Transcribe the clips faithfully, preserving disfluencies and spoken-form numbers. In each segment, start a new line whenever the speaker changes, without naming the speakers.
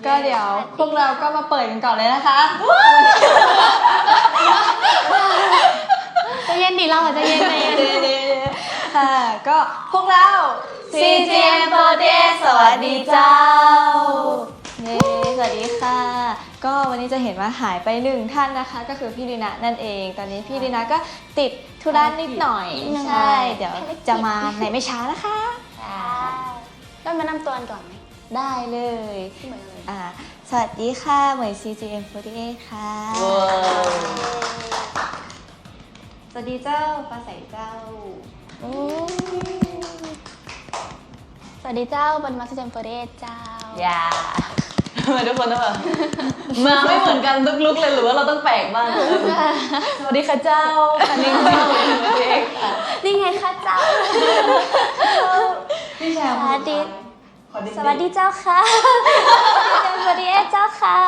ก็เดี๋ยวพวกเราก็มาเปิดกันก่อนเลยนะคะ
จะเย็นดีเราจะเย็นใจเย็น
ค่ะก็พวกเรา ซี จี เอ็ม โฟร์ตี้เอท สวัสดีเจ้าเย้สวัสดีค่ะก็วันนี้จะเห็นว่าหายไปหนึ่งท่านนะคะก็คือพี่ลีนานั่นเองตอนนี้พี่ลีนาก็ติดธุระนิดหน่อยใช่เดี๋ยวจะมาในไม่ช้านะคะ
ต้องมานำตัวกันก่อนไหม
ได้เลย
เหมือนเลย
อ่าสวัสดีค่ะเหมย ซี จี เอ็ม โฟร์ตี้เอท ค่ะสวัสดีเจ้าฟ้าใสเจ้า
สวัสดีเจ้าบนมาสเตมโฟเดสเจ้า
อย่า
ทำไมทุกคนต้องแบบมาไม่เหมือนกันทุกลุกเลยหรือว่าเราต้องแปลกบ้างสวัสดีค่ะเจ้าอันนี้คือเด็ก
นี่ไงค่ะเจ้า
พี่แชมป์
สวัสดีสวัสดีเจ้าค่ะสวัสดีเอเจ้าค่ะ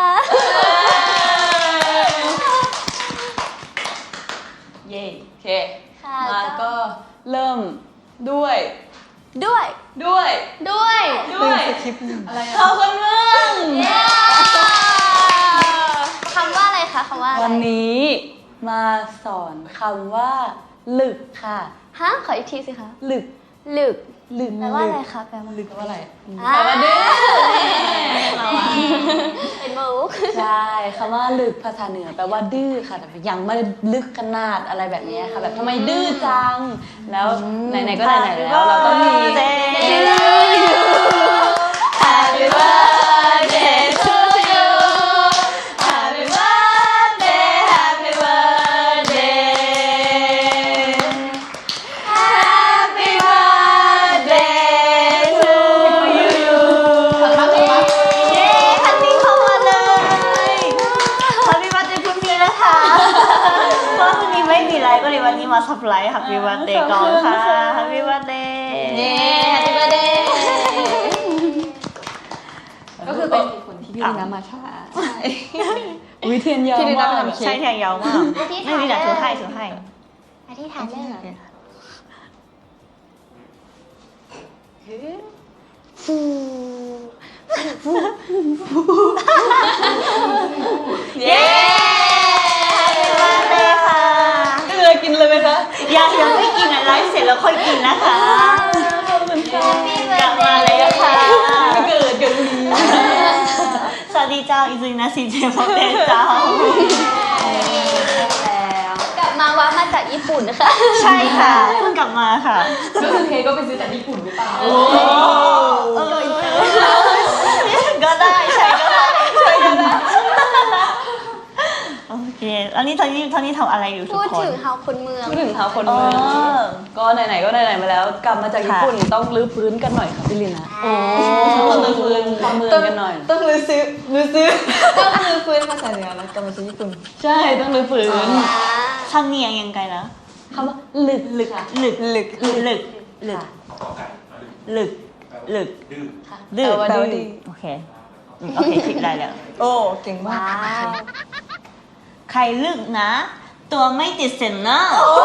เย้โอเคมาก็เริ่มด้วย
ด้วย
ด้วย
ด้วย
ด้วยอะไรเข้าคนเมือง
คำว่าอะไรคะคำว่าอะไร
วันนี้มาสอนคำว่าหลึกค่ะ
ฮะขออีกทีสิคะ
หลึก
หลึก
หลึก
แปลว่าอะไรคะแปลว่า
หลึกแปลว่าอะไร
แปลว่าดื้อเป็นมุก
ใช่คำว่าลึกภาษาเหนือแปลว่าดื้อค่ะแต่ยังไม่ลึกขนาดอะไรแบบนี้ค่ะแบบทำไมดื้อจังแล้วไหนๆก็ไหนๆแล้วเราต้องมี
Happy birthday to you Happy birthday Happy birthday Happy birthday to you เย้คันนี้เข้ามาเลย Happy birthday พรุ่งนี้นะคะเพราะพรุ่งนี้ไม่มีไลฟ์ก็เลยวันนี้มาซับไลฟ์ Happy birthday ก่อนค่ะ Happy birthday เย้ Happy birthdayก็คือเป็นคนที่พี่ลีนามาช้าใช่
วิเทียนยาวมาก
ใช่แทงยาวมาก
ไม่ลีนา
ถือให้ถือให้
อธิษฐานเลยฟู
เย้มาเลยค่ะ
ก็เลยกินเลยไหมคะ
ยังยังไม่กินอ่ะไลฟ์เสร็จแล้วค่อยกินนะคะกลับมาเลยค่ะ
เกิดกันดี
สวัสดีเจ้าอิซุนะซีเจมเต้เจ้า
แล้วกลับมาว่ามาจากญี่ปุ่นนะคะ
ใช่ค่ะเพิ่งกลับมาค่ะ
ก็คือเคก็ไปซื้อจากญี่ปุ่นหรือเปล่าโอ้
เออก็ได้ใช่ก็ได้ใช่ก็ได้โอเคแล้วนี่ตอนนี้ตอนนี้ทำอะไรอยู่ทุกคน
พูดถึงเฮาคนเมือง
พูดถึงเฮาคนเมืองก็ไหนๆก็ไหนๆมาแล้วกลับมาจากญี่ปุ่นต้องรื้อพื้นกันหน่อยค่ะพี่ลีนาโอ้ต้องรื้อพื้นความเมืองกันหน่อย
ต้องรื้อซื้อรื้อซื้อต้องรื้อพื้นภาษาเหนือแล้วกลับมาจากญี่ปุ่น
ใช่ต้องรื้อพื้น
ช่างเนียงยังไงนะ
คำว่าหลึกหลึก
หลึกหลึกหลึกหลึกหลึกหลึกดื้อแปลว่าดื้อโอเคโอเคคิดได้แล้วโอ้เก่งมากใครลึกนะตัวไม่ติดเซนนะ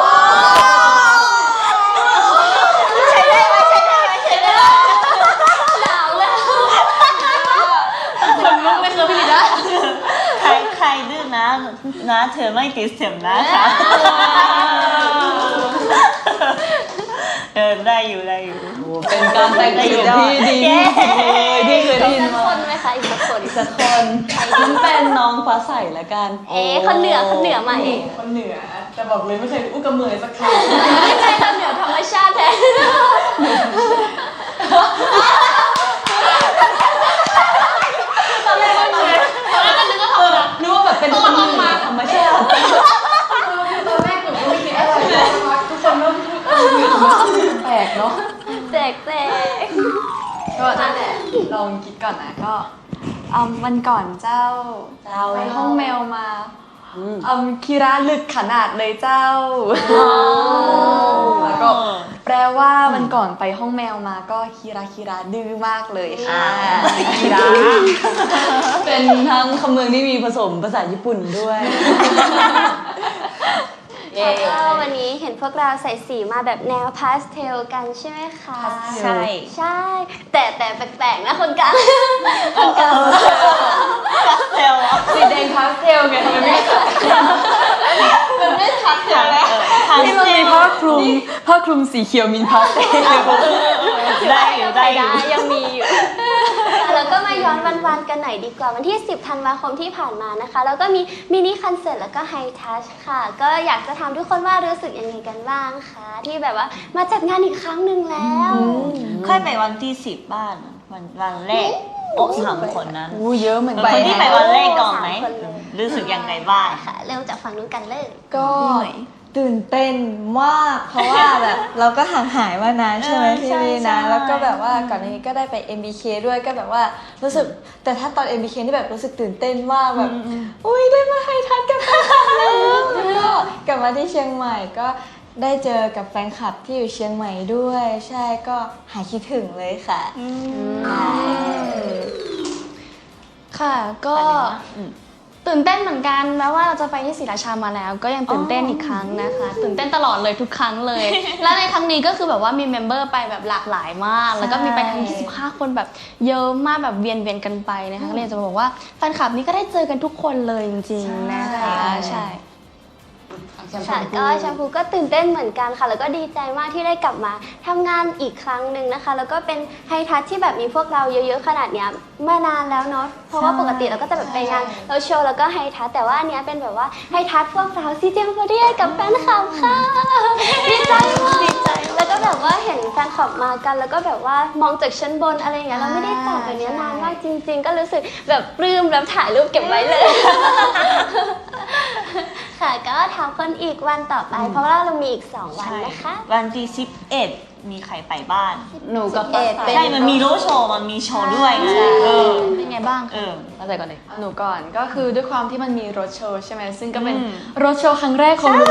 ใช้ได้ไหมใช้ได้ไหมใช้ได้ไหม
หนาวเลย
คนลุกไม่เคยพี่ลีนา
ใครใครดื้อนะนะเธอไม่ติดเซนนะคะเออได้อยู่ได้อยู่
เป็นการแต่งตัวที่ดีเลยที่เคยได้ยินมา
อีกสักคนไหมคะอีกสักคน
อีกสักคนมันเป็นน้องฟ้าใสละกัน
เอ๊ะคนเหนือคนเหนือมาเอง
คนเหนือแต่บอกเลยไม่เคยอู้กับเมือสักครั้ง
ไม่ใช่คนเหนือธรรมชาติแท้
ตอนแรกก็นึกตอนแรกก็นึกว่าเขานึกว่าแบบเป็นคนมาธรรมชาติตอนแรกผมก็ไม่คิดอะไรทุกคนก็แปลกเนาะ
แตกแตก
ก็นั่นแหละลองคิดก่อนนะก็เอาวันก่อนเจ้าไปห้องแมวมาเอาคีระลึกขนาดเลยเจ้าแล้วก็แปลว่าวันก่อนไปห้องแมวมาก็คีระคีระดื้อมากเลยค่ะ
คีระเป็นทั้งคำเมืองที่มีผสมภาษาญี่ปุ่นด้วย
ค่ะก็วันนี้เห็นพวกเราใส่สีมาแบบแนวพาสเทลกันใช่ไหมคะ
ใช่
ใช่ แต่แต่แปลกๆนะคนกลางคนกลาง
พาสเทล
สีแดงพาสเทลไงทำไมไม่มันไม่พาสเทลแล้ว
ที่มันมี
ผ้าคลุมผ้าคลุมสีเขียวมินพาสเทล
ได้อยู่ได้อยู่
ยังมีอยู่ แล้วก็มาย้อนวันๆกันหน่อยดีกว่าวันที่สิบธันวาคมที่ผ่านมานะคะแล้วก็มีมินิคอนเสิร์ตแล้วก็ไฮทัชค่ะก็อยากจะถามทุกคนว่ารู้สึกยังไงกันบ้างคะที่แบบว่ามาจัดงานอีกครั้งหนึ่งแล้ว
ค่อยไปวันที่สิบบ้านวันวันแรกโอ้สามคนนั้น
อู้เยอะเหมือน
ค
กัน
นที่ไปวันแรกก่อนไหม
สามคนเลย
รู้สึกยังไงบ้าง
ค่ะเริ่มจากฝั่งนู้นกันเลย
ก็ตื่นเต้นมาก เพราะว่าแบบเราก็ห่างหายมานานใช่ไหม
เออ
พี่
ใช่
วี
ใช่
นะแล้วก็แบบว่าก่อนหน้านี้ก็ได้ไป เอ็ม บี เค ด้วยก็แบบว่ารู้สึกแต่ถ้าตอน เอ็ม บี เค นี่แบบรู้สึกตื่นเต้นมากแบบอุ้ยได้มาไฮทัชกับแฟนคลับแล้วแล้วก็กลับมาที่เชียงใหม่ก็ได้เจอกับแฟนคลับที่อยู่เชียงใหม่ด้วย ใช่ก็หายคิดถึงเลยค่ะ
ค่ะก็ตื่นเต้นเหมือนกันแม้ว่าเราจะไปที่ศรีราชามาแล้ว ก็ยังตื่นเต้นอีกครั้งนะคะ ตื่นเต้นตลอดเลยทุกครั้งเลย และในครั้งนี้ก็คือแบบว่ามีเมมเบอร์ไปแบบหลากหลายมาก แล้วก็มีไปทั้งยี่สิบห้าคนแบบเยอะมากแบบเวียนเวียนๆกันไปนะคะก็เลยจะบอกว่าแฟนคลับนี้ก็ได้เจอกันทุกคนเลยจริงๆนะคะใช่
ค่ะก็แชมพูก็ตื่นเต้นเหมือนกันค่ะ แล้วก็ดีใจมากที่ได้กลับมาทำงานอีกครั้งหนึ่งนะคะ แล้วก็เป็นไฮทัชที่แบบมีพวกเราเยอะๆขนาดเนี้ยมานานแล้วเนาะเพราะว่าปกติเราก็จะแบบไปงานเราโชว์แล้วก็ไฮทัชแต่ว่าอันเนี้ยเป็นแบบว่าไฮทัชพวกเราซีเจมพอดีกับแฟนคลับค่ะดีใจมากดีใจแล้วก็แบบว่าเห็นแฟนคลับมากัน แล้วก็แบบว่ามองจากชั้นบนอะไรอย่างเงี้ยเราไม่ได้จัดแบบเนี้ยนานมากจริง ๆ ก็รู้สึกแบบปลื้มแล้วถ่ายรูปเก็บไว้เลย ค่ะก็ถามคนอีกวันต่อไป เพราะว่าเรามีอีกสองวันนะคะ
วันที่สิบเอ็ดมีใครไปบ้าน
หนูกับ
สิบเอ็ด
ฟ้า
เป็น
ใช่ มันมีโรดโชว์ มันมีโชว์ด้วยไงเออ
เป็นไงบ้าง
เออ
แล้วแต่ก่อนเลยหนูก่อนก็คือด้วยความที่มันมีรถโชว์ใช่ไหมซึ่งก็เป็น
อืม
รถโชว์ครั้งแรกของหนู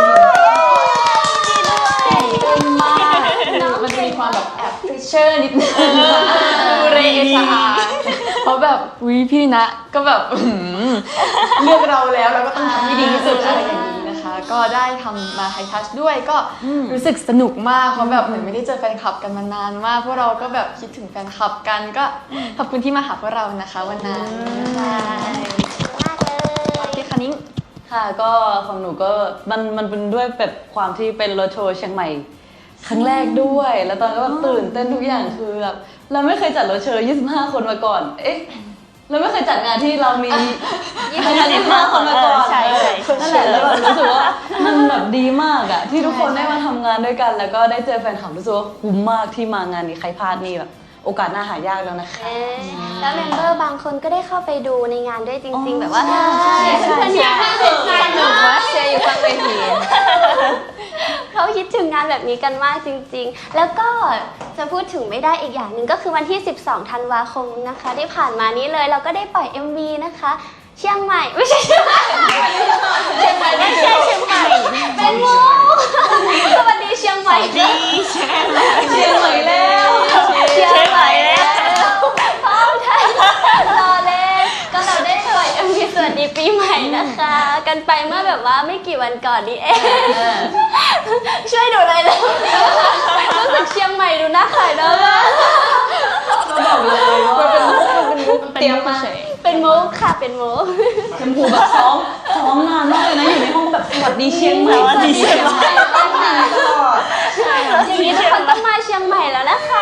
ตื่นมากมันจะมีความแบบแอบฟิชเชอร์นิดนึงดูเรเอชอาร์เพราะแบบวิพี่นะก็แบบอื้อหือเลือกเราแล้วเราก็ต้องทำให้ดีที่สุดอะไรอย่างนี้นะคะ ก็ได้ทำมาไฮทัชด้วยก็รู้สึกสนุกมากเพราะแบบเหมือนไม่ได้เจอแฟนคลับกันมานานมากพวกเราก็แบบคิดถึงแฟนคลับกันก็ขอบคุณที่มาหาพวกเรานะคะวันนั้น
มากเลย
พี่คณิ้ง
ค่ะก็ของหนูก็มันมันเป็นด้วยแบบความที่เป็นรถโชว์เชียงใหม่ครั้งแรกด้วย แล้วตอนก็แบบตื่นเต้นทุกอย่างคือแบบเราไม่เคยจัดรถโชว์ยี่สิบห้าคนมาก่อน เอ๊ะเราไม่เคยจัดงานที่เรามียี่สิบห้าคนมาก่อน
ใช่ใช่
นั่นแหละแล้วแบบรู้สึกว่ามันแบบดีมากอะที่ทุกคนได้มาทำงานด้วยกัน แล้วก็ได้เจอแฟนคลับรู้สึกว่าคุ้มมากที่มางานนี้ใครพลาดนี่แบบโอกาสหน้าหายากแล้วนะคะ
เอ๊ะแล้วเมมเบอร์บางคนก็ได้เข้าไปดูในงานด้วยจริง ๆ แบบว่าเพื่อนๆอยากให้เป็นใจหนูว่าเชียร์อยู่ข้างเวทีเขาคิดถึงงานแบบนี้กันมากจริง ๆ แล้วก็จะพูดถึงไม่ได้อีกอย่างหนึ่งก็คือวันที่สิบสองธันวาคมนะคะที่ผ่านมานี้เลยเราก็ได้ปล่อย เอ็ม วี นะคะเชียงใหม่ไม่ใช่เชียงใหม่เชียงใหม่ไม่ใช่เชียงใหม่เป็นโมสวัสดีเชียงใหม่
ดีเชียงใหม่
เชียงใหม่แล้วเชียงใหม่แล้วพร้อมไทยรอเล่นก็เราได้ปล่อย เอ็ม วี สวัสดีปีใหม่นะคะ กันไปเมื่อแบบว่าไม่กี่วันก่อนนี้เองช่วยดูเลยแล้วรู้สึกเชียงใหม่ดูน่าขายเนอะ
ก็บอกเลยว่าเป็นมุกเป็นมุกเตรียมมา
เป็นมุกค่ะเป็นมุก
ชมพูแบบซ้อมซ้อมนานมากเลยนะอยู่ในห้องแบบสวัสดีเชียงใหม่
สวัสดีเชียงใหม่
อย่างนี้ทุกคนต้องมาเชียงใหม่แล้วนะคะ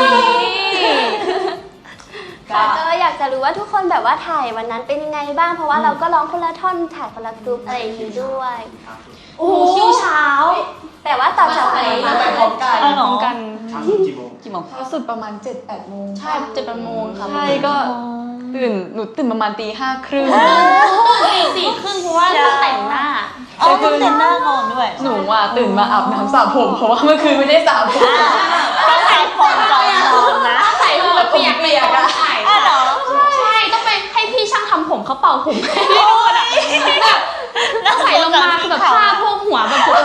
ค่ะก็อยากจะรู้ว่าทุกคนแบบว่าถ่ายวันนั้นเป็นยังไงบ้างเพราะว่าเราก็ร้องคนละท่อนถ่ายคนละกรุ๊ปอะไรอย่างนี้ด้วยโอ้โหคิวเช้า แต่ว่าต่อจากไหน
ไปพร้อมกัน
อ๋อเหรอ
กัน
เช้าสุดกี่โมง
กี่โมง
สุดประมาณ เจ็ดแปดโมง
ใช่เจ็ดแปดโมงค่ะ
ใช่ก็ตื่นหนูตื่นประมาณตีห้าครึ่ง
ตีสี่ครึ่งเพราะว่าต้องแต่งหน้า
อ๋อต้องเต้นหน้าก่อนด้วย
หนูอ่ะตื่นมาอาบน้ำสระผมเพราะว่าเมื่อคืนไม่ได้สระผม
ต้องใช้ผมจองทองนะ
ใส่หัวเปียกเปียกอะใช่
อ้าวเหรอ
ใช่ต้องไปให้พี่ช่างทำผมเขาเป่าผมให้พี่ดูอะแบบแล้วใส่ลงมาคือแบบผ้าพวกหัวแบบปวด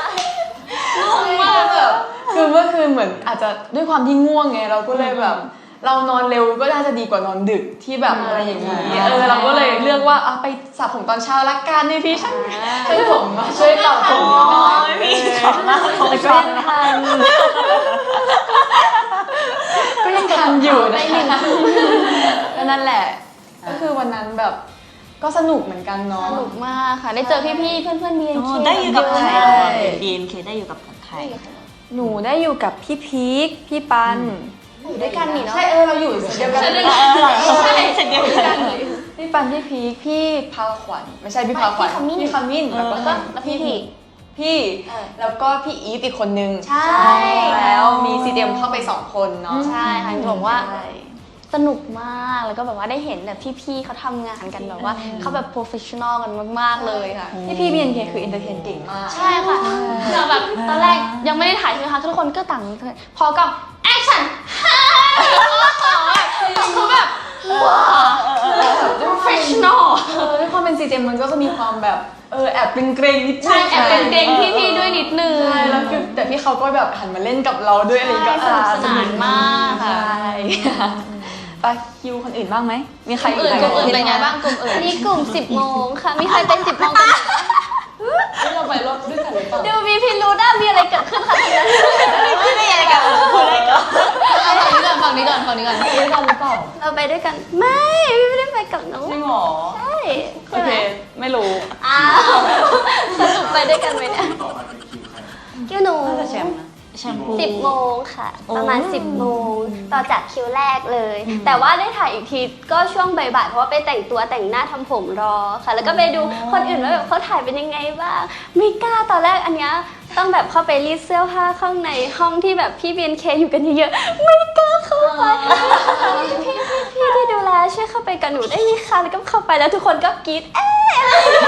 งงมาก
แบบคือเมื่อคืนเหมือนอาจจะด้วยความที่ง่วงไงเราก็เลยแบบเรานอนเร็วก็น่าจะดีกว่านอนดึกที่แบบอะไรอย่างนี้เออเราก็เลยเลือกว่าเอาไปสระผมตอนเช้าละกันในพี่ช่างช่างผมมาช่วยตอบผมหน่อย
พี่ขอมากขอ
แต่ก็ยังทันก็ยังทันอยู่นะคะก็นั่นแหละ ก็คือวันนั้นแบบก็สนุกเหมือนกันเนาะ
สนุกมากค่ะ ได้เจอพี่ๆ เพื่อนๆ บี เอ็น เค
ได้อยู่กับใคร
ใช่
บี เอ็น เค ได้อยู่กับใคร
หนูได้อยู่กับพี่พีคพี่ปัน
อยู่ด้วยกันนี่เนาะ
ใช่เออเราอยู่เดียวกัน
ใช่เสร็จเดียวกัน
พี่ปันพี่พีคพี่พาขวัญไม่ใช่พี่พาขวัญพี่ขมิ้นแล้วก็
แล้วพี่พี่
พี่แล้วก็พี่อีฟอีกคนนึง
ใช่
แล้วมีซีเดียมเข้าไปสองคนเนาะ
ใช่ค่ะจะบอกว่า
ใช่
สนุกมากแล้วก็แบบว่าได้เห็นแบบพี่ๆเขาทำงานกันแบบว่าเขาแบบโปรเฟชชั่นอลกันมากๆเลยค่ะ
พี่พี่บีเอ็นเคคือเอนเตอร์เทนเก่งมาก
ใช่ค่ะเราแบบตอนแรกยังไม่ได้ถ่ายใช่ไหมคะทุกคนก็ต่างพอกับแอคชั่นฮ่าเขาแบบว้าวโปรเฟชชั่นอล
เออด้วยความเป็นซีเจมมันก็จะมีความแบบเออแอบเกรงๆนิดนึง
ใช่แอบเป็นเกรงพี่ๆด้วยนิดนึง
ใช่แล้วคือแต่พี่เขาก็แบบหันมาเล่นกับเราด้วยอะไรอย่างเงี้ย
ใช่สนุกสนานมากค่ะ
ใช่ไปคิวคนอื่นบ้างไหมมีใคร
กลุ่มอื่นกลุ่มอื่นเป็นไงบ้างกลุ่มอื่น
นี่กลุ่มสิบโมงค่ะ มีใครเป็นสิบโมงกันไหม
ที่เราไปรถด้วยกันหรือเปล่า
ดูมีพิรุธอะมีอะไรเกิดขึ้นคะตรงนั้น
ไม่ได้อะไรกันพูดอะไรกัน
ฝั่งนี้ก่อนฝั่งนี้ก่อนฝั่งนี้ก่อน
ด้วยกันหรือเปล่า
เราไปด้วยกัน ไม่พี่ไม่ได้ไปกับน้อง
จริงเหรอ
ใช่
โอ
ใช่ไห
เค
ม
ไม่รู้
อ้าวสรุปไปด้วยกันไหมเนี่ยคิวหนู
น่าจะแชมป์นะ
แชมพู
สิบโมงค่ะ ประมาณสิบโมงต่อจากคิวแรกเลย แต่ว่าได้ถ่ายอีกทีก็ช่วงบ่ายๆเพราะว่าไปแต่งตัวแต่งหน้าทำผมรอค่ะ แล้วก็ไปดูคนอื่นว่าแบบเขาถ่ายเป็นยังไงบ้างไม่กล้าตอนแรกอันเนี้ยต้องแบบเข้าไปรีดเสื้อผ้าข้างในห้องที่แบบพี่เบียนเคอยู่กันเยอะๆไม่กล้าเข้าไปพี่พี่พี่ที่ดูแลช่วยเข้าไปกับหนูได้ไหมคะแล้วก็เข้าไปแล้วทุกคนก็กรี๊ดเอ๊ะ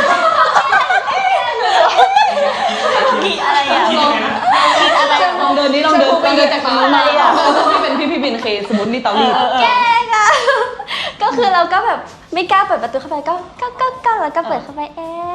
กี่อะไรอ่ะ
ลองเดินนี้ลองเดินไปเดินจากตรงนู้นมาที่เป็นพี่พี่บินเคสมมตินี่เตารีด
แกล้งอะ ก็คือเราก็แบบไม่กล้าเปิดประตูเข้าไปก็ก็ก็ก็แล้วก็เปิดเข้าไปเอ๊ะ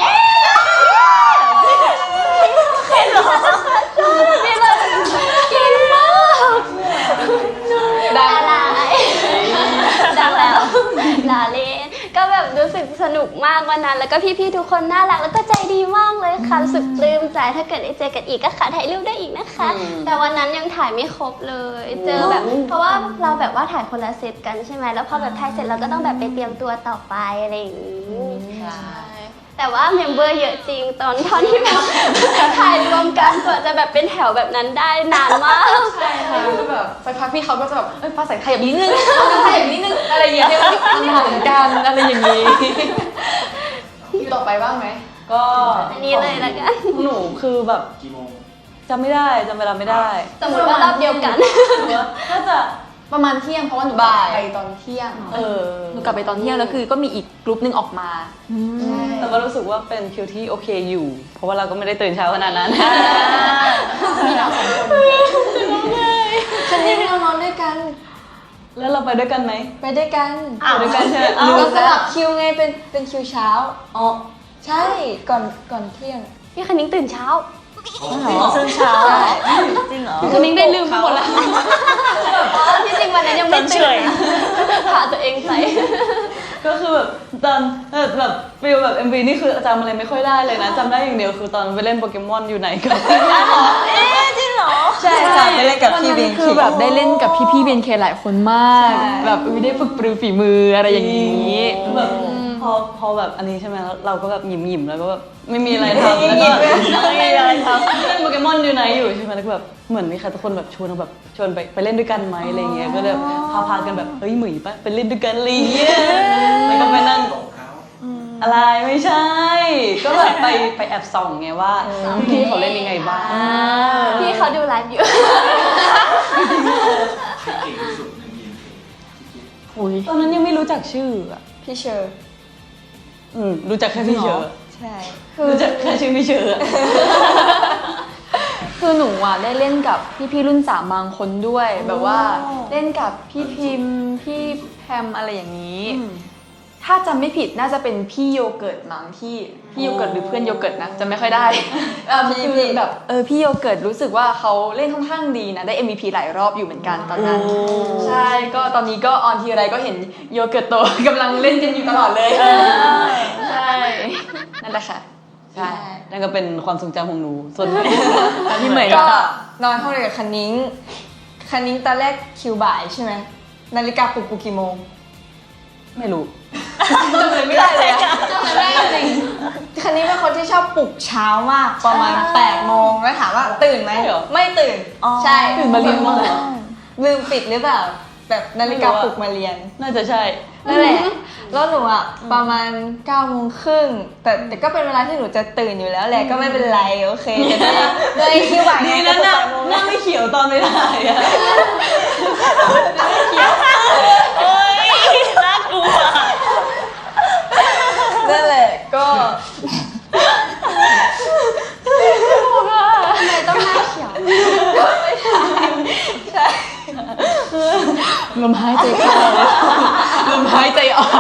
เห็นเหรอพี่เลยเก่งมากดังดังแล้วลาเล่นก็แบบรู้สึกสนุกมากวันนั้นแล้วก็พี่ๆทุกคนน่ารักแล้วก็ใจดีมากเลยค่ะรู้สึกปลื้มใจถ้าเกิดได้เจอกันอีกก็ขอถ่ายรูปได้อีกนะคะ แต่วันนั้นยังถ่ายไม่ครบเลย เจอแบบเพราะว่าเราแบบว่าถ่ายคนละเซตกันใช่ไหมแล้วพอแบบถ่ายเสร็จเราก็ต้องแบบไปเตรียมตัวต่อไปอะไรอย่างนี้แต่ว่าเมมเบอร์เยอะจริงตอนท่อนที่แบบถ่ายรวมกันกว่าจะแบบเป็นแถวแบบนั้นได้นานมาก
ใช่ค่ะก็แบบสักพักพี่เขาก็จะแบบเอ้ยฟ้าใสขยับนิดนึงขยับนิดนึงอะไรอย่างเงี้ยมันเหมือนกันอะไรอย่างงี้คิวต่อไปบ้างไหม
ก็
อันนี้เลยละกัน
หนูคือแบบจำไม่ได้จำเวลาไม่ได้
สมมติว่ารอบเดียวกัน
น่าจะ
ประมาณเที่ยงเพราะว่าหนู
บ่าย
ไปตอนเที่ยง
เออ
หนูกลับไปตอนเที่ยงแล้วคือก็มีอีกกลุ่มหนึงออกมา
แต่ก็รู้สึกว่าเป็นคิวที่โอเคอยู่ เพราะว่าเราก็ไม่ได้ตื่นเช้าขนาดนั้น
มีเราสองคน
ฉันนี่เรานอนด้วยกัน
แล้วเราไปด้วยกันไหม
ไปด้วยกัน
ไปด้วยกันใช่ไหม
เรา
รู้
ส
แล้ว
ลับคิวไงเป็นเป็นคิวเช้า
อ๋อ
ใช่ก่อนก่อนเที่ยง
พี่คณิ้งตื่นเช้า
ซึ่งเช้าจริงเหรอ
คือนิ้งได้ลืมไปหมดแล้ว
ที่จริงวันนั้นยังไม่ตื่นนะพาตัวเองไป
ก็คือแบบตอนแบบแบบฟิลแบบ เอ็ม วี นี่คือจำอะไรไม่ค่อยได้เลยนะจำได้อย่างเดียวคือตอนไปเล่นโปเกมอนอยู่ไหนกัน
เอ๊ะจริงเหรอ
ใช่ค่ะไปเล่นกับพี่เบน
คือแบบได้เล่นกับพี่ๆเบนเคหลายคนมาก แบบอุ๊ยได้ฝึกปรือฝีมืออะไรอย่างนี้
แบบพอพอแบบอันนี้ใช่ไหมแล้วเราก็แบบหยิมหยิมๆแล้วก็แบบไม่มีอะไรทำแล้วก็
ไม่มีอะไรทำ
เล่นโปเกมอนอยู่ไหนอยู่ใช่ไหมแล้วก็แบบเหมือนมีใครทุกคนแบบชวนเราแบบชวนไปไปเล่นด้วยกันไหมอะไรเงี้ยก็เลยแบบพาพากันแบบเฮ้ยหมุยปะไปเล่นด้วยกันอะไรเงี้ยแล้วก็ไปนั่งอะไรไม่ใช่ ก็แบบไปไปแอบส่องไงว่าพี่เขาเล่นยังไงบ้าง
พี่เขาดูไลฟ์อยู่
ตอนนั้นยังไม่รู้จักชื่ออ่ะ
พี่เชอร์
อืมรู้จักแค่พี่เชอร์
ใช่
รู้จักแค่ชื่อพี่เชอร์อะ
คือหนูอ่ะได้เล่นกับพี่ๆรุ่นสามบางคนด้วย แบบว่าเล่นกับพี่พิมพ์พี่แพมอะไรอย่างนี้ถ้าจำไม่ผิดน่าจะเป็นพี่โยเกิร์ตมั้งที่พี่โยเกิร์ตหรือเพื่อนโยเกิร์ตนะจำไม่ค่อยได้เออคือแบบเออพี่โยเกิร์ตรู้สึกว่าเขาเล่นค่อนข้างดีนะได้ เอ็ม วี พี หลายรอบอยู่เหมือนกันตอนนั้นใช่ก็ตอนนี้ก็ออนทีไรก็เห็นโยเกิร์ตโต กำลังเล่นกันอยู่ตลอดเลยใช่นั่นแหละค่ะใช่
นั่นก็เป็นความทรงจำของหนูส่วน
พี่เหมย
ก็นอนห้องเดียวกับคันนิ้งคันนิ้งตอนแรกคิวบ่ายใช่ไหมนาฬิกาปลุกกูกี่โมง
ไม่รู้
ไม่ได้เลยอะคันนิ้งเป็นคนที่ชอบปลุกเช้ามากประมาณแปดโมงแล้วถามว่าตื่นไหม
ใช่เหรอ
ไม่ตื่นใช่
ตื่นมาเรียนมาเหรอ
ลืมปิดหรือเปล่าแบบนาฬิกาปลุกมาเรียน
น่าจะใช่
นั่นแหละแล้วหนูอ่ะประมาณเก้าโมงครึ่งแต่แต่ก็เป็นเวลาที่หนูจะตื่นอยู่แล้วแหละก็ไม่เป็นไรโอเคแต่ด้วยด้วยคิวบ่าย
ดี
ไง
นะ
ก็
หน้า
แปดโมง
หน้าไม่เขียวตอนไม่ได้อะ
นั่นแหละก็
ทำไมต้องหน้าเขียว
ลมหายใจเข้าลมหายใจออก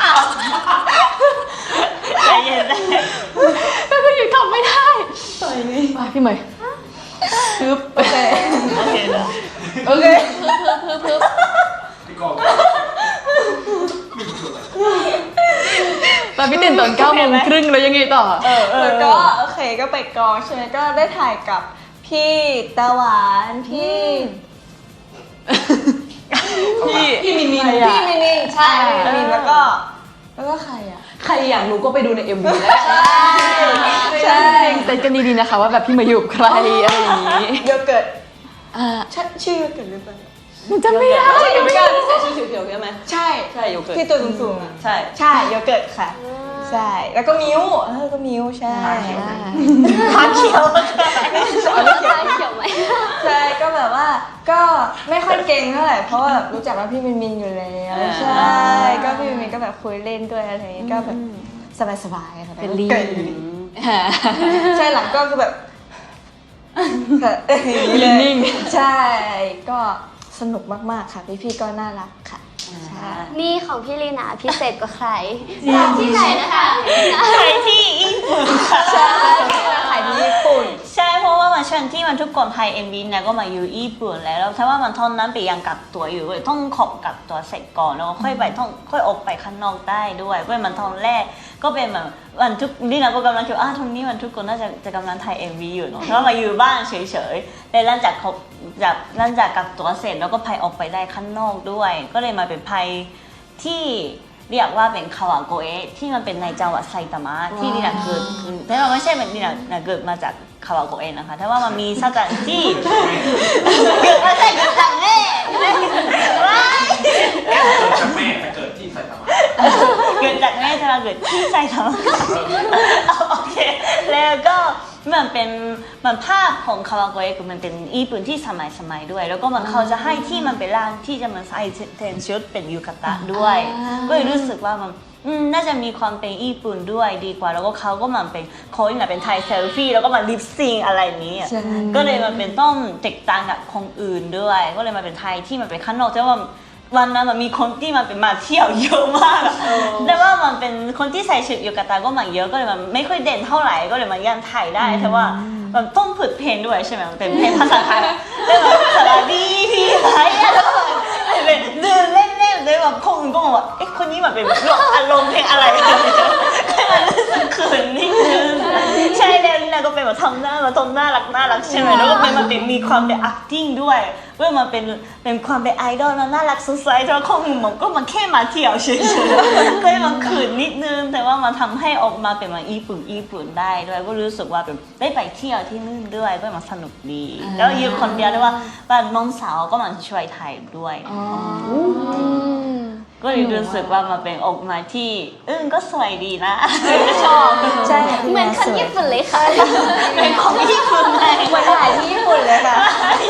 ใจเย็นได้
ก็คืออยู่ทำไม่ได้ไปพี่เหมยปึ๊บ
โอเค
โอเคนะ
โอเค
ตอนพี่ตื่นตอนเก้าโมงครึ่งแล้วยังไงต่อเออ
แล้วก็โอเคก็ไปกองใช่ไหมก็ได้ถ่ายกับพี่ตะหวานพี่
พี่พี่มินมิน
พี่มินิงใช่พี่มินิงแล้วก็แล้วก็ใครอ่ะ
ใครอยากรู้ก็ไปดูใน เอ็ม วี แล้ว
ใช่
เต้นกันดีๆนะคะว่าแบบพี่เหมยอยู่กับใครอะไรอย่างนี้
โยเกิร์ต
อ่า
ใช่ชื่อโยเกิร์ตหรือเปล่า
มันจะไม่ได้
ใช่โยเกิร์ตใส่ชุดเขียวๆใช่ไหม
ใช่
ใช่โยเกิร์ต
ที่ตัวสูงๆอ่ะ
ใช่
ใช่โยเกิร์ตค่ะใช่แล้วก็มิ้วเออก็มิ้วใช่
ขาเขียว
หน้าเขียวไหม
ใช่ก็แบบว่าก็ไม่ค่อยเก่งเท่าไหร่เพราะว่าแบบรู้จักว่าพี่มินมินอยู่แล้วใช่ก็พี่มินมินก็แบบคุยเล่นด้วยอะไรอย่างเงี้ยก็แบบสบายๆค่ะ
เป็นลี
เกิดอยู่ดีใช่หลังก็คือแบบค่ะเลยใช่ก็สนุกมากๆค่ะพี่ๆก็น่ารักค่ะใช่
นี่ของพี่ลีนาพิเศษกว่าใครจากที่ไหนนะคะ
ใครที่ญี่ปุ่นค่ะ
ใช่เราถ่ายที่ญี่ปุ่น
ใช่เพราะว่ามันช่วงที่มันทุกคนไทยเอ็มวีเนี่ยก็มาอยู่ญี่ปุ่นแล้วแล้วถ้าว่ามันท่อนนั้นไปยังกักตัวอยู่เลยต้องขอบกักตัวเสร็จก่อนแล้วก็ค่อยไปต้องค่อยออกไปข้างนอกได้ด้วยเพราะมันท่อนแรกก็เป็นแบบวันทุกนี่นะก็กำลังคิดว่าอ่ะท่อนนี้มันทุกคนน่าจะจะกำลังถ่ายเอ็มวีอยู่เนาะเพราะมาอยู่บ้านเฉยๆแต่หลังจากเขาจากหลังจากกักตัวเสร็จแล้วก็ไปออกไปได้ข้างนอกด้วย ก็เลยมาเป็นไพที่เรียกว่าเป็นคาวาโกเอะที่มันเป็นในจังหวัดไซตามะที่นี่นะเกิดขึ้นแต่ว่าไม่ใช่แบบนี่นะเกิดมาจากคาวาโกเอะนะคะแต่ว่ามันมีสถานที่ เกิดมาจากเกิดจากแม่ว้าย
เกิดจากแม่แต่เกิดที่ไซตามะ
เกิดจากแม่จะมาเกิดที่ไซตามะโอเคแล้วก็มันเป็นมันภาพของคาวาโกเอะคือมันเป็นญี่ปุ่นที่สมัยสมัยด้วย แล้วก็มันเขาจะให้ที่มันเป็นร่างที่จะมันใส่เทนชุดเป็นยูกาตะด้วย ก็เลยรู้สึกว่ามันอืมน่าจะมีความเป็นญี่ปุ่นด้วยดีกว่าแล้วก็เขาก็มันเป็นเขาเนี่ยเป็นไทยเซลฟี่แล้วก็มาลิปซิงอะไรนี้อะ
ใช่
ก็เลยมันเป็นต้องแตกต่างกับคนอื่นด้วย ก็เลยมาเป็นไทยที่มันเป็นข้างนอกแต่ว่าวันนั้นมันมีคนที่มันเป็นมาเที่ยวเยอะมากอะแต่ว่ามันเป็นคนที่ใส่ชุดยูกาตะก็มาเยอะก็เลยมันไม่ค่อยเด่นเท่าไหร่ก็เลยมันยังถ่ายได้แต่ว่ามันต้องฝึกเพลงด้วยใช่ไหมมันเป็นเพลงภาษาไทยแล้วแบบสวัสดีพี่ไทยแล้วก็แบบเดินเล่นๆเลยแบบคนก็บอกว่าเอ๊ะคนนี้มันเป็นอารมณ์เพลงอะไรให้มันรู้สึกเขินนิดนึงใช่แล้วนี่นะก็เป็นแบบทำหน้ามาทำหน้ารักน่ารักใช่ไหมแล้วก็เป็นมันเป็นมีความเป็น acting ด้วยเมื่อมันเป็นเป็นความเป็นไอดอลน่ารักสดใสแต่ว่าข้อมูลมันก็มันแค่มาเที่ยวเฉยๆก็เลยมันขืนนิดนึงแต่ว่ามันทำให้ออกมาเป็นมาญี่ปุ่นญี่ปุ่นได้ด้วยก็รู้สึกว่าเป็นได้ไปเที่ยวที่นู่นด้วยก็มันสนุกดีแล้วอยู่คนเดียวด้วยว่าบ้านน้องสาวก็มันช่วยถ่ายด้วยก็เลยรู้สึกว่ามันเป็นออกมาที่เออก็สวยดีนะก็ชอบ
ใช่
เหมือนคนญี่ปุ่นเลยค่ะ
เป็นของญี่ปุ่นเลย
เหมือนถ่ายที่ญี่ปุ่นเลยค่ะ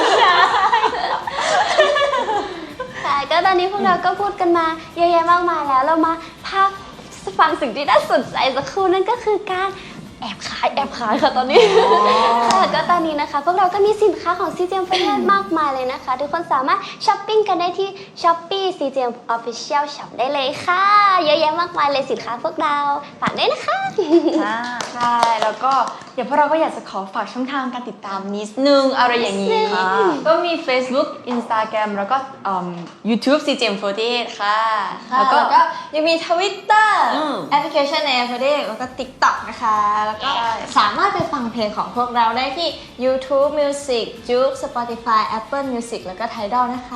ค่ะก็ตอนนี้พวกเราก็พูดกันมาเยอะแยะมากมายแล้วเรามาพักฟังสิ่งที่น่าสนใจสักครู่นั่นก็คือการแอบขายแอบขายค่ะตอนนี้ค่ะก็ตอนนี้นะคะ พวกเราก็มีสินค้าของ ซี เจ เอ็ม ประเทศมากมายเลยนะคะ ทุกคนสามารถช้อปปิ้งกันได้ที่ Shopee ซี เจ เอ็ม Official Shop ได้เลยค่ะ เยอะแยะมากมายเลยสินค้าพวกเราฝากด้วยนะคะ
ใช่แล้วก็เดี๋ยวพวกเราก็อยากจะขอฝากช่องทางการติดตามนิดนึงอะไรอย่างนี้ก็มี Facebook Instagram แล้วก็อืม YouTube ซี เจ เอ็ม สี่สิบแปดค่ะ
แล้วก็ยังมี Twitter แอปพลิเคชันใน แอป แล้วก็ TikTok นะคะ แล้วก็สามารถไปฟังเพลงของพวกเราได้ที่ YouTube Music Juke Spotify Apple Music แล้วก็ Tidal นะคะ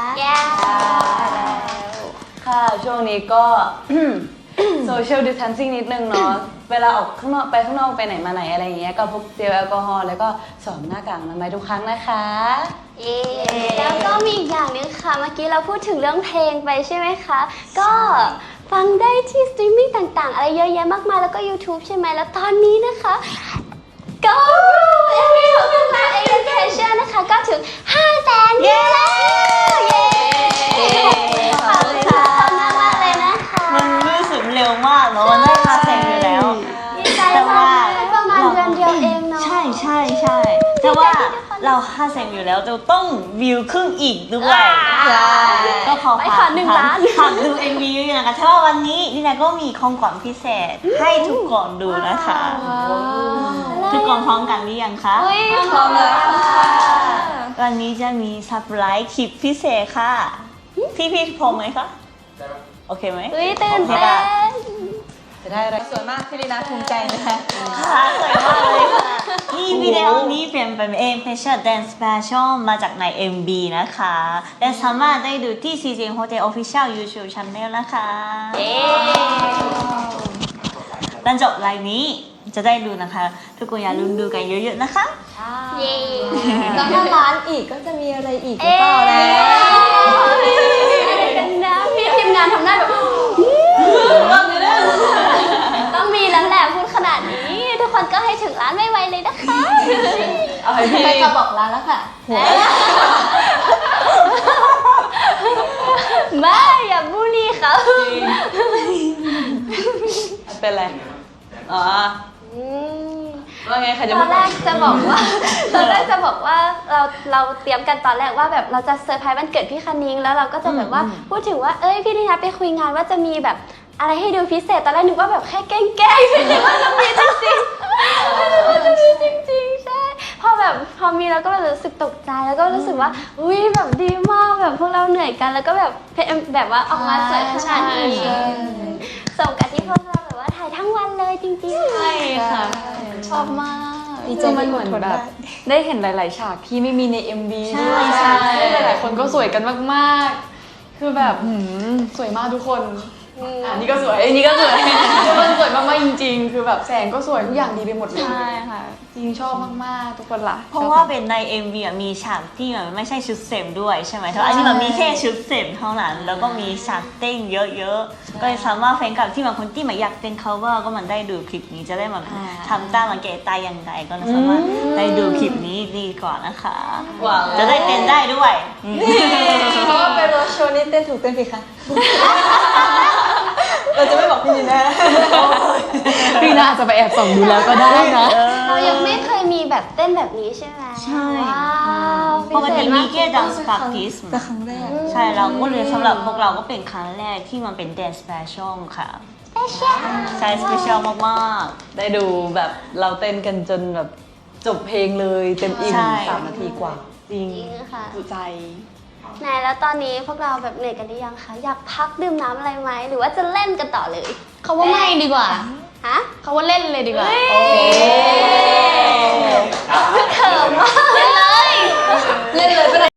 ค่ะช่วงนี้ก็ social distancing นิดนึงเนาะ เวลาออกข้างนอกไปข้างนอกไปไหนมาไหนอะไรอย่างเงี้ยก็พกเจลแอลกอฮอล์แล้วก็สวมหน้ากากอนามัยทุกครั้งนะคะ
เย้แล้วก็มีอีกอย่างหนึงค่ะ เมื่อกี้เราพูดถึงเรื่องเพลงไปใช่ไหมคะ ก็ฟังได้ที่สตรีมมิ่งต่างๆ อะไรเยอะแยะมากมายแล้วก็ YouTube ใช่ไหมแล้วตอนนี้นะคะ ก็เอ็มวีของพวกเราเอ็นเคชั่นนะคะก็ถึงห้าแสนวิวแล้วเย้ขอบคุณค่ะมากๆเลยนะคะ
มันรู้สึกเร็วมากเนาะมันได้มาแสงอยู่แล้ว
ดีใจมากเลยประมาณเดือนเดียวเองเนาะ
ใช่ใช่ใช่แต่ว่าเราห้าแสนอยู่แล้วเราต้องวิวครึ่งอีกด้วยก็ขอ
ไป
ฝา
ขอก หนึ่งล้าน
ฝากดู เอ็ม วี เยอะๆนะคะเพราะว่าวันนี้นี่นาก็มีของขวัญพิเศษให้ทุกคนดูนะคะ ทุกคนพร้อมกันหรือยังคะ
อุ้ยพร้อมแล้วค่ะ
วันนี้จะมีเซอร์ไพรส์คลิปพิเศษค่ะ พี่พี่พร้อมไหมคะ โอเคไหม
อุ้ยตื่นเต้น
จะได้อะไร
สวยมากพี่ลีนาภูมิใจนะคะ
ค่ะสวยมากเลยค่ะนี่วิดีโอนี้เป็นเป็นเอ็มเพชรแดนซ์แฟชั่นมาจากใน เอ็ม บี นะคะและสามารถได้ดูที่ ซี เจ เอ็ม Hotel Official YouTube Channel นะคะหลังจบไลน์นี้จะได้ดูนะคะ ทุกคนอย่าลืมดูกันเยอะๆนะคะ
เย้
แล้วถ้าร้านอีกก็จะมีอะไรอีกหรือเปล่าแล้ว
อะไรกันนะพี่ทีมงานทำหน้าแบบต้องมีแล้วแหละพูดขนาดนี้ ทุกคนก็ให้ถึงร้านไวๆเลยนะคะ
เอาให้พี่
ใครจะบอกร้านแล้วค่ะ
ไม่อย่าบูลลี่เขา
เป็นไรอ๋อ
อืม
ว่าไงใครจะ
ต
พู
อ
ด
นแรกจะบอกว่า ตอนแรกจะบอกว่าเราเราเตรียมกันตอนแรกว่าแบบเราจะเซอร์ไพรส์วันเกิดพี่คณิ้งแล้วเราก็จะแบบว่าพูดถึงว่าเอ้ยพี่นินาไปคุยงานว่าจะมีแบบอะไรให้ดูพิเศษตอนแรกนึกว่าแบบแค่แกล้งๆไม่นึกว่าจะมีจริงๆไม่นึกว่าจะมีจริงๆใช่พอแบบพอมีเราก็แบบรู้สึกตกใจแล้วก็รู้สึกว่าอุ้ยแบบดีมากแบบพวกเราเหนื่อยกันแล้วก็แบบแบบว่าออกมาสวยขนาดนี้สมกับที่พวกเราแบบว่าถ่ายทั้งวันเลยจริงๆ
ใช่ค่ะ ชอบมาก
ดีใจ
คือมันเหมือน
ที่คน
แบบ
ได้
ได้เห็นหลาย ๆ ฉากที่ไม่มีใน เอ็ม วี
ใช่
ด้วย
ใช่
หลายๆคนก็สวยกันมาก ๆ คือแบบหืมสวยมากทุกคนอันนี้ก็สวยอันนี้ก็สวยทุกคนสวยมาก ๆ จริง ๆ คือแบบแสงก็สวยทุกอย่างดีไปหมดเลย
ใช่ค่ะ
จริงชอบมาก ๆ ทุกคนล่ะ
เพราะว่าเป็นใน เอ็ม วี อ่ะมีฉากที่แบบไม่ใช่ชุดเสริมด้วยใช่ไหมเพราะอันนี้มันมีแค่ชุดเสริมเท่านั้น แล้วก็มีฉากเต้นเยอะๆ ก็เลยสามารถแฟนคลับที่บางคนที่มาอยากเป็น cover ก็มันได้ดูคลิปนี้จะได้มาทำตามมาเกตตายยังไงก็สามารถได้ดูคลิปนี้ดีกว่านะคะ
หวัง
จะได้เต้นได้ด้วยอืม
เพราะว่าเป็นโรโชว์นี่เต้นถูกเต้นผิดค่ะ เราจะไม่บอกพี่ลีนา
พี่น่าจะไปแอบส่องดูแล้วก็ได้นะ
เรายังไม่เคยมีแบบเต้นแบบนี้ใช่ไหม
ใช่
ว้าว
ปกติมีแค่ dance practice
แต่ครั้งแรก
ใช่เราก็เลยสำหรับพวกเราก็เป็นครั้งแรกที่มันเป็น dance special ค่ะ ใช่ special มากๆ
ได้ดูแบบเราเต้นกันจนแบบจบเพลงเลยเต็มอิ่ม
ใช่
สามนาทีกว่า
จริง
จริงค่ะ
สุใจ
ไหนแล้วตอนนี้พวกเราแบบเหนื่อยกันหรือยังคะอยากพักดื่มน้ำอะไรไหมหรือว่าจะเล่นกันต่อเลย
เขาว่าไม่ดีกว่า
ฮะ
เขาว่าเล่นเลยดีกว่า
เขิมมากเลย
เล่นเลยก็ได้